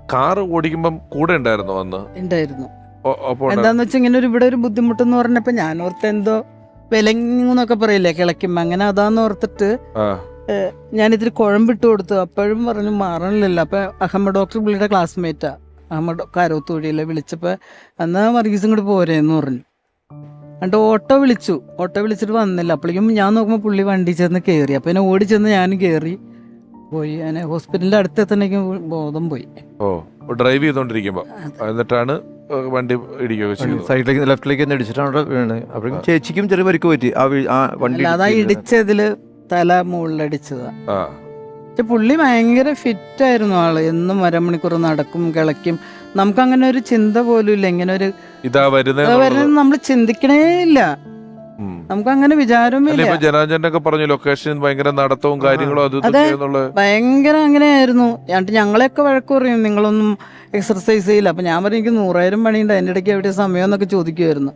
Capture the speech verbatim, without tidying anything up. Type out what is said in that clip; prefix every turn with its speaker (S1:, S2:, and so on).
S1: Car ഓടിക്കുമ്പം കൂടെ ഉണ്ടായിരുന്നോ അന്ന്?
S2: ഉണ്ടായിരുന്നു.
S1: ഒ- ഒപ്പം ഉണ്ടായിരുന്നു.
S2: എന്താന്ന് വെച്ചാൽ ഇങ്ങനെ ഒരു ഇവിടെ ഒരു ബുദ്ധിമുട്ടെന്ന് പറഞ്ഞപ്പോ ഞാൻ ഓർത്ത് എന്തോ വിലങ്ങുന്നൊക്കെ പറയില്ലേ കിളയ്ക്കുമ്പോ, അങ്ങനെ അതാന്ന് ഓർത്തിട്ട്
S1: ആ,
S2: ഞാനിതിരി കുഴമ്പിട്ട് കൊടുത്തു. അപ്പോഴും പറഞ്ഞു മാറണില്ലല്ലോ. അപ്പൊ അഹമ്മദ് ഡോക്ടർ പുള്ളിയുടെ ക്ലാസ്മേറ്റാ, അഹമ്മദ് കാരോത്തുഴിയിലെ. വിളിച്ചപ്പോ എന്നാ വർഗീസും കൂടി പോരേന്ന് പറഞ്ഞു. എന്നിട്ട് ഓട്ടോ വിളിച്ചു. ഓട്ടോ വിളിച്ചിട്ട് വന്നില്ല. അപ്പോഴേക്കും ഞാൻ നോക്കുമ്പോൾ പുള്ളി വണ്ടി ചെന്ന് കയറി. അപ്പൊ എന്നെ ഓടി ചെന്ന് ഞാനും കയറി പോയി. ഞാൻ ഹോസ്പിറ്റലിന്റെ അടുത്ത് എത്തണേക്കും ബോധം പോയി.
S1: ഓ ഡ്രൈവ് ചെയ്തോണ്ടിരിക്കുമ്പോ എന്നിട്ടാണ് വണ്ടി ഇടിക്കുകയൊക്കെ ചെയ്തത്.
S3: സൈഡിലേക്ക് ലെഫ്റ്റിലേക്ക് തന്നെ ഇടിച്ചിട്ടാണ് അവിടെ വീണ്. അപ്പോഴേക്കും ചേച്ചിക്കും ചെറിയ പരിക്ക് പറ്റി. ആ വീ- ആ വണ്ടി
S2: അല്ല, അതാ ഇടിച്ചതില് തല മുകളിലടിച്ചതാ.
S1: ആ
S2: പക്ഷെ പുള്ളി ഭയങ്കര ഫിറ്റ് ആയിരുന്നു ആള്. എന്നും അരമണിക്കൂർ നടക്കും, കിളയ്ക്കും. നമുക്ക് അങ്ങനെ ഒരു ചിന്ത പോലും ഇല്ല ഇങ്ങനെ ഒരു
S1: ഇതാ വരുന്നത്.
S2: വരുന്നത് നമ്മൾ ചിന്തിക്കണേ ഇല്ല. നമുക്ക് അങ്ങനെ വിചാരമേ ഇല്ല.
S1: ജനാർദ്ദന്റെ ഒക്കെ പറഞ്ഞു ലൊക്കേഷൻ ഭയങ്കര നടത്തവും കാര്യങ്ങളും അത്
S2: അതെ,
S1: എന്നുള്ള
S2: ഭയങ്കര അങ്ങനെയായിരുന്നു. എന്നിട്ട് ഞങ്ങളെയൊക്കെ വഴക്ക് പറയും, നിങ്ങളൊന്നും എക്സർസൈസ് ചെയ്യില്ല. അപ്പൊ ഞാൻ പറയും എനിക്ക് നൂറായിരം പണിയുണ്ട്, അതിൻ്റെ ഇടയ്ക്ക് എവിടെ സമയം എന്നൊക്കെ ചോദിക്കുമായിരുന്നു.